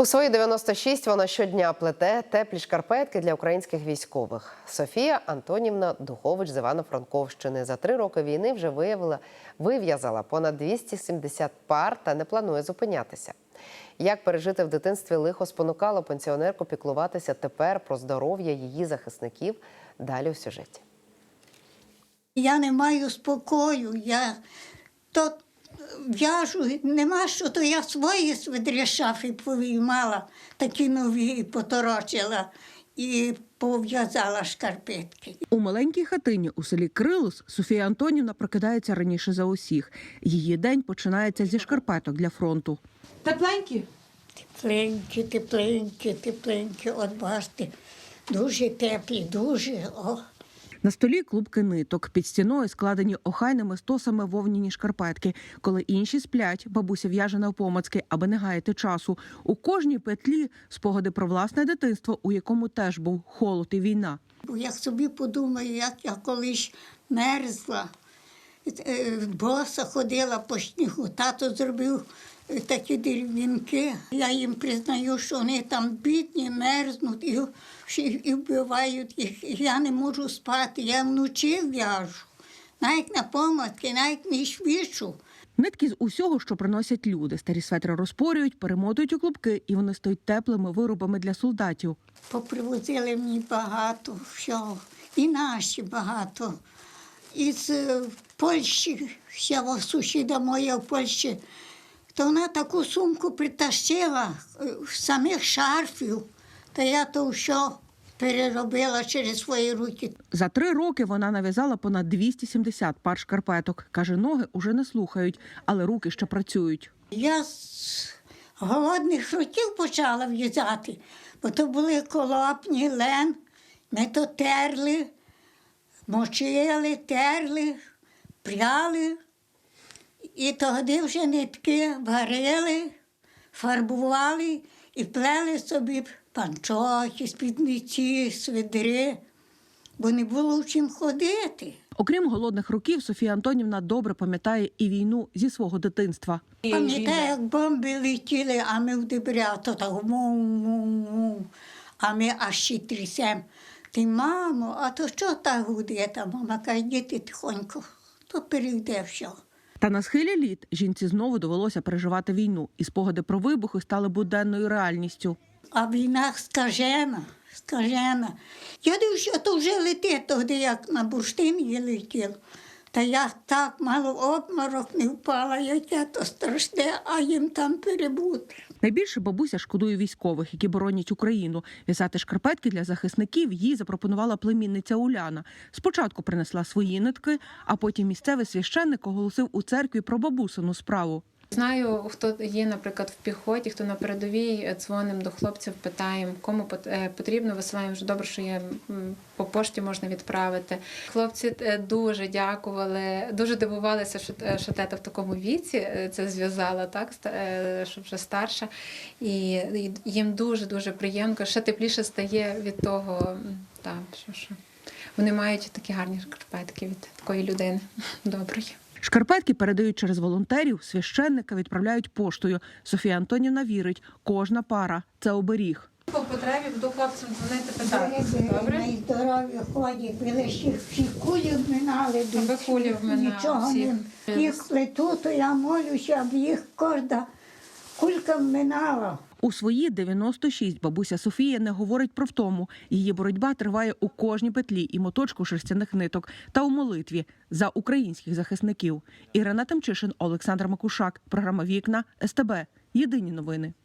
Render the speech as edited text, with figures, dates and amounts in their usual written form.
У свої 96 вона щодня плете теплі шкарпетки для українських військових. Софія Антонівна Духович з Івано-Франковщини за 3 роки війни вже вив'язала понад 270 пар та не планує зупинятися. Як пережити в дитинстві лихо спонукало пенсіонерку піклуватися тепер про здоров'я її захисників? Далі у сюжеті. Я не маю спокою, я то в'яжу, нема що, то я свої свидрі шафи повиймала, такі нові і поторочила і пов'язала шкарпетки. У маленькій хатині у селі Крилус Софія Антонівна прокидається раніше за усіх. Її день починається зі шкарпеток для фронту. Тепленькі? Тепленькі, тепленькі, тепленькі, от бачите, дуже теплі, дуже, о. На столі клубки ниток, під стіною складені охайними стосами вовняні шкарпетки. Коли інші сплять, бабуся в'яже навпомацки, аби не гаяти часу. У кожній петлі спогади про власне дитинство, у якому теж був холод і війна. Я собі подумаю, як я колись мерзла, боса ходила по снігу, тато зробив такі дерев'янки. Я їм признаю, що вони там бідні, мерзнуть і вбивають їх. Я не можу спати, я вночі в'яжу, навіть на помадки, навіть не швидшу. Нитки з усього, що приносять люди. Старі светри розпорюють, перемотують у клубки, і вони стають теплими виробами для солдатів. Попривозили мені багато всього, і наші багато. Із Польщі, ще сусіда моя в Польщі, то вона таку сумку притащила самих шарфів, та я то все переробила через свої руки. За 3 роки вона нав'язала понад 270 пар шкарпеток. Каже, ноги уже не слухають, але руки ще працюють. Я з голодних років почала в'язати, бо то були колопні, лен, ми то терли, мочили, терли, пряли. І тоді вже нитки варили, фарбували і плели собі панчохи, спідниці, свидри, бо не було в чим ходити. Окрім голодних років, Софія Антонівна добре пам'ятає і війну зі свого дитинства. Пам'ятаю, як бомби летіли, а ми в дебря, то так мум-мум-мум, а ми аж ще трясемо. Ти, мамо, а то що так гуде? Та мама каже, діти тихонько, то перейде все. Та на схилі літ жінці знову довелося переживати війну, і спогади про вибухи стали буденною реальністю. А війна скажена, скажена. Я дивлюся, то вже летить тоді, як на бурштин летів. Та я так мало в обморок не впала, яке то страшне, а їм там перебути. Найбільше бабуся шкодує військових, які боронять Україну. В'язати шкарпетки для захисників їй запропонувала племінниця Уляна. Спочатку принесла свої нитки, а потім місцевий священник оголосив у церкві про бабусину справу. Знаю, хто є, наприклад, в піхоті, хто на передовій, дзвонимо до хлопців, питаємо, кому потрібно, висилаємо, вже добре, що є, по пошті можна відправити. Хлопці дуже дякували, дуже дивувалися, що тета в такому віці це зв'язала, так, що вже старша. І їм дуже-дуже приємно, ще тепліше стає від того, так, що вони мають такі гарні шкарпетки від такої людини доброї. Шкарпетки передають через волонтерів, священника відправляють поштою. Софія Антонівна вірить, кожна пара – це оберіг. По потребі буду хлопцям дзвонити, питати. Добре? Найздорові ходять, ви лише всі кулі вминали, нічого не. Їх плету, то я молюся, аби їх кожна кулька вминала. У свої 96 бабуся Софія не говорить про втому. Її боротьба триває у кожній петлі і моточку шерстяних ниток та у молитві за українських захисників. Ірина Тимчишин, Олександр Макушак. Програма «Вікна», СТБ. Єдині новини.